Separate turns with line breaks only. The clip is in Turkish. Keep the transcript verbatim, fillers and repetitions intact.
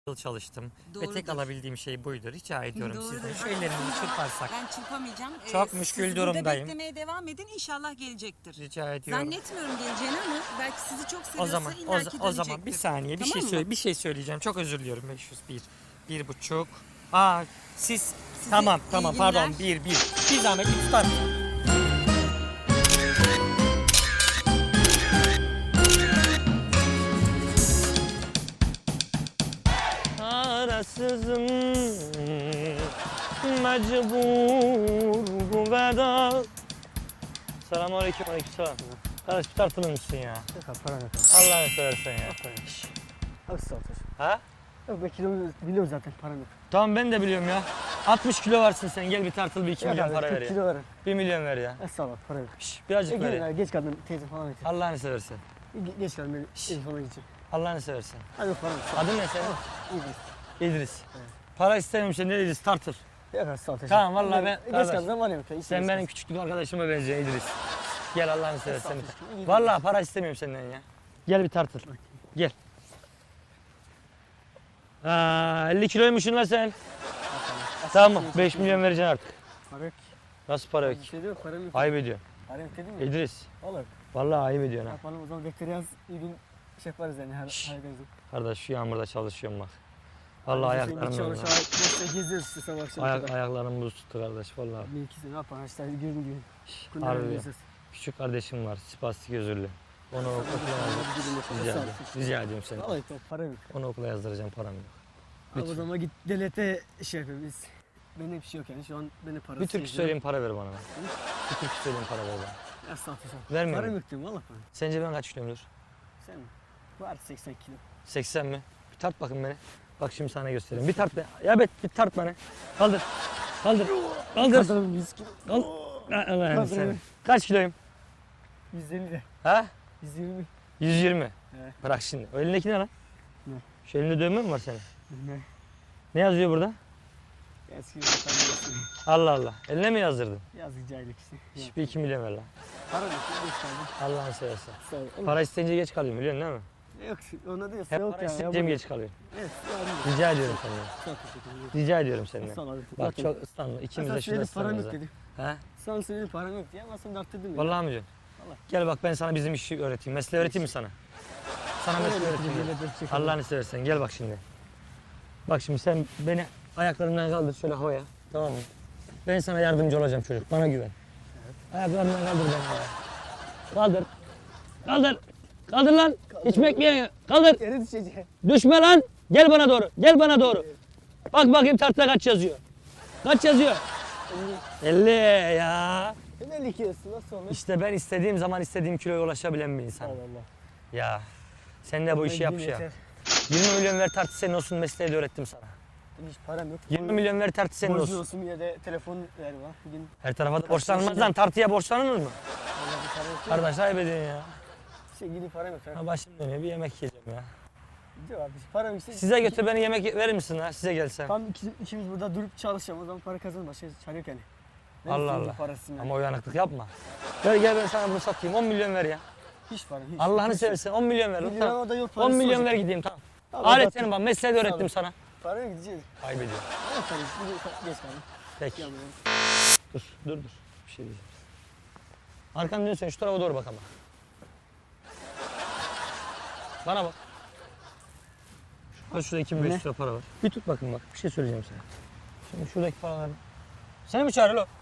yıl çalıştım
Doğrudur.
ve tek alabildiğim şey buydu. Rica ediyorum
Doğrudur.
sizden. Şu ellerimizi çırparsak.
Ben çırpamayacağım.
Çok
Ee,
müşkül
siz
durumdayım.
Burada beklemeye devam edin. İnşallah gelecektir.
Rica ediyorum.
Zannetmiyorum geleceğini ama belki sizi çok
O
seviyorsa
zaman o,
illaki
o zaman bir
dönecektir.
saniye bir
Tamam
şey
mı?
söyle bir şey söyleyeceğim. Çok özür diliyorum. beş yüz bir. Bir buçuk. Aa siz
Size
tamam
iyi
tamam
günler.
pardon bir bir. Bir zahmet bir tutar. Arasızım mecbur bu veda. Selamünaleyküm aleykümselam. Kardeş bir tartılır mısın ya?
Yok abi param yok abi.
Allah'ını seversen ya. Şş.
Abi sağ ol.
Ha?
Yok ben kilo biliyorum zaten param yok.
Tamam ben de biliyorum ya. altmış kilo varsın sen, gel bir tartıl bir iki
Yok
milyon
abi,
para
kırk
ver ya.
kilo verin.
bir milyon ver ya.
E sağ ol abi para yok.
Şş,
E
birazcık ver
gelin
ya.
abi geç kaldım teyze falan getir.
Allah'ını seversen.
Ge- Geç kaldım beni telefona gideceğim.
Allah'ını seversen.
Abi yok param yok. sağ ol.
Adın ne senin?
İyi
İdris. Para istemiyorum seni İdris, tartıl.
Yok abi sağ ol teşekkür
Tamam, vallahi ben-
Geç
kardeş,
kaldım var yok. ya, hiç
Sen
geç
benim
kaldım.
küçüklük arkadaşıma benziyorsun İdris. Gel Allah'ını seversen.
Estağfurullah, iyi
Vallahi para istemiyorum senden ya. Gel bir tartıl. Gel. Aa, elli kiloymuşsun lan sen. Tamam beş milyon vereceksin artık.
Para yok.
Nasıl para yok?
Bir şey de yok param yok.
Ayıp ediyorsun.
Param yok dedim ya.
İdris.
Olur.
Vallahi ayıp ediyorsun ha.
Yapalım o zaman bekleri yaz. İyi gün şey yaparız yani her
Şşş.
hallederiz.
Kardeş şu yağmurda çalışıyorum bak. Vallahi ayaklarım
Çalış
yanıyor.
işte geziyoruz işte sabah akşam.
Ayak, ayaklarım buz tuttu kardeş vallahi.
Bir ikisi ne yapalım işte gün gün. Günler
Harbi.
göreceğiz.
Küçük kardeşim var, spastik özürlü. Onu okula yazdıracağım. Rica
Sağ ol.
ediyorum. Rica ediyorum seni.
Vallahi yok para yok.
Onu okula yazdıracağım, param yok.
Abi o
Lütfen.
zaman git devlete şey yapayım biz. Benim bir şey yok yani şu an beni parası
Bir türkü
geziyor.
söyleyeyim para ver bana. Bir türkü söyleyeyim para ver bana.
Ya sağ ol sağ ol.
Vermiyor
Param
musun?
yok diyorum valla para.
Sence ben kaç kiloyumdur?
Sen mi? Var seksen kilo.
seksen mi? Bir tart bakın beni. Bak şimdi sana göstereyim. Bir tart be. Ya bet bir tart beni. Kaldır. Kaldır. Kaldır.
Kadınım yüz kilo.
Kaldır. Allah'ım
Kaldır
sen.
beni.
Kaç kiloyum?
yüz elli de.
Ha?
yüz yirmi.
yüz yirmi.
Evet.
Bırak şimdi. O elindeki ne lan?
Ne?
Şu elinde dövme mi var senin?
Ne?
Ne yazıyor burada?
Eski bir tane
Allah Allah. Eline mi yazdırdın?
yazık cahillik işte. Ya.
Şş, bir iki milyon ver lan.
Para yok. Geç kaldım.
Allah'ını seversen.
Sağ ol. Oğlum,
Para isteyince geç kalıyorum biliyorsun değil mi?
Yok ona değil.
Hep
Yok
para
ya.
isteyince mi
ya,
geç kalıyorum?
Evet. Ya,
Rica ediyorum senden.
Sağ ol teşekkür ederim.
Rica ediyorum senden.
Sağ ol abi.
Bak
Zaten-
çok ıslanma. İkimiz
Sana
de şurada
söyledim param yok
ıslanırız.
dedim.
ha.
Sana söyledim param yok diye ama sen de arttırdın ya.
Vallahi mi diyorsun?
Vallahi.
Gel bak ben sana bizim işi öğreteyim. Mesleği öğreteyim mi sana? Sana mesleği öğreteyim. gel. Allah'ını seversen gel bak şimdi. Bak şimdi sen beni ayaklarımdan kaldır şöyle havaya. Tamam mı? Ben sana yardımcı olacağım çocuk. Bana güven. Ayaklarımdan kaldır beni havaya. Kaldır. Kaldır. Kaldır lan. Hiç bekleyen. Kaldır.
Yere düşeceğim.
Düşme lan. Gel bana doğru. Gel bana doğru. Bak bakayım tartıda kaç yazıyor. Kaç yazıyor? elli ya.
Sen elli kilosun nasıl olur?
İşte ben istediğim zaman istediğim kiloya ulaşabilen bir insan.
Allah Allah.
Ya sen de bu işi
Ben
yap
yine
ya.
yeter.
yirmi milyon ver tartı senin olsun, mesleği de öğrettim sana.
Benim hiç param yok.
yirmi milyon ver tartı senin
Borcu
olsun.
olsun ya da telefon ver bana. Bugün
Her tarafa da borçlanmaz lan, tartıya borçlanılır mı?
valla bir para yok.
Kardeş ayıp ediyorsun ya.
Şey gidip param yok.
Ha başım dönüyor, bir yemek yiyeceğim ya.
Diyor abi param yok.
Size götür beni yemek verir misin ha, size gelsem?
Tam iki, ikimiz burada durup çalışacağım o zaman para kazanır başka çare yok yani. Ben
Allah
senin
Allah.
parasını yani.
Ama uyanıklık yapma. Ver gel ben sana bunu satayım, on milyon ver ya.
Hiç para hiç.
Allah'ını
hiç.
seversen on milyon ver.
Bir lira
Tamam.
orada yok
on
parası
milyon
olacak.
ver gideyim tamam.
Tamam,
Alet
bak-
senin bak, mesleği de öğrettim
Tamam.
sana.
Paraya gideceğiz.
Ayıp ediyorum.
Ama para bugün geç kaldım.
Peki.
Ya buraya.
Dur, dur, dur. Bir şey diyeceğim. Arkanı dön sen, şu tarafa doğru bak ama. Bana bak. Şurada, şurada iki bin beş yüz lira para var. Bir tut bakın bak, bir şey söyleyeceğim sana. Şimdi şuradaki paraları... Seni mi çağırıyor lo?